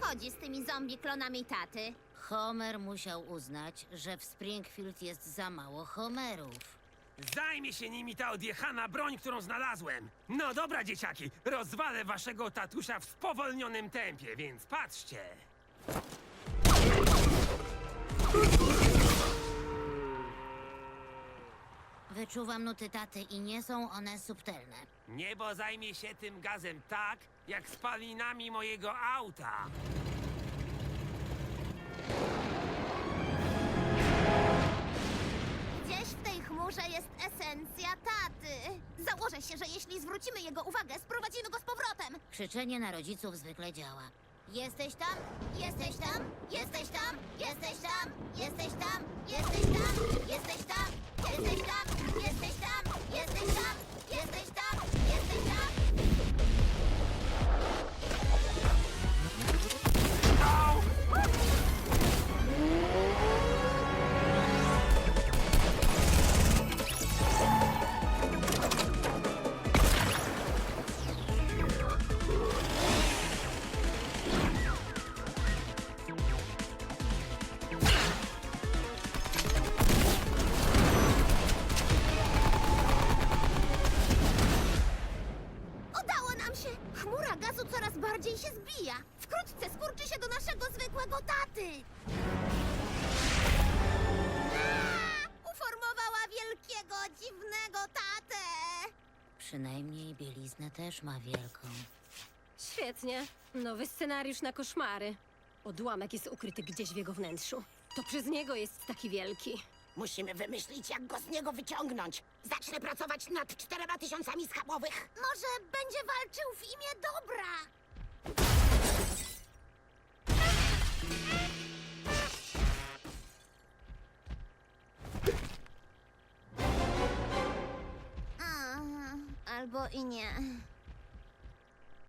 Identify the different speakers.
Speaker 1: chodzi z tymi zombie klonami taty?
Speaker 2: Homer musiał uznać, że w Springfield jest za mało Homerów.
Speaker 3: Zajmie się nimi ta odjechana broń, którą znalazłem. No dobra, dzieciaki, rozwalę waszego tatusia w spowolnionym tempie, więc patrzcie.
Speaker 2: Wyczuwam nuty taty i nie są one subtelne.
Speaker 3: Niebo zajmie się tym gazem tak, jak spalinami mojego auta.
Speaker 1: Gdzieś w tej chmurze jest esencja taty. Założę się, że jeśli zwrócimy jego uwagę, sprowadzimy go z powrotem.
Speaker 2: Krzyczenie na rodziców zwykle działa. Jesteś tam? Jesteś tam? Jesteś tam? Jesteś tam? Jesteś tam? Jesteś tam? Jesteś tam? Jesteś tam? Jesteś tam? Jesteś tam? Jesteś tam? Jesteś tam?
Speaker 3: Au!
Speaker 1: Udało nam się! Chmura gazu coraz bardziej się zbija. Wkrótce skurczy się do naszego zwykłego taty. Uformowała wielkiego, dziwnego tatę.
Speaker 2: Przynajmniej bieliznę też ma wielką.
Speaker 4: Świetnie. Nowy scenariusz na koszmary. Odłamek jest ukryty gdzieś w jego wnętrzu. To przez niego jest taki wielki.
Speaker 5: Musimy wymyślić, jak go z niego wyciągnąć. Zacznę pracować nad 4000 schabowych.
Speaker 1: Może będzie walczył w imię dobra. Albo i nie.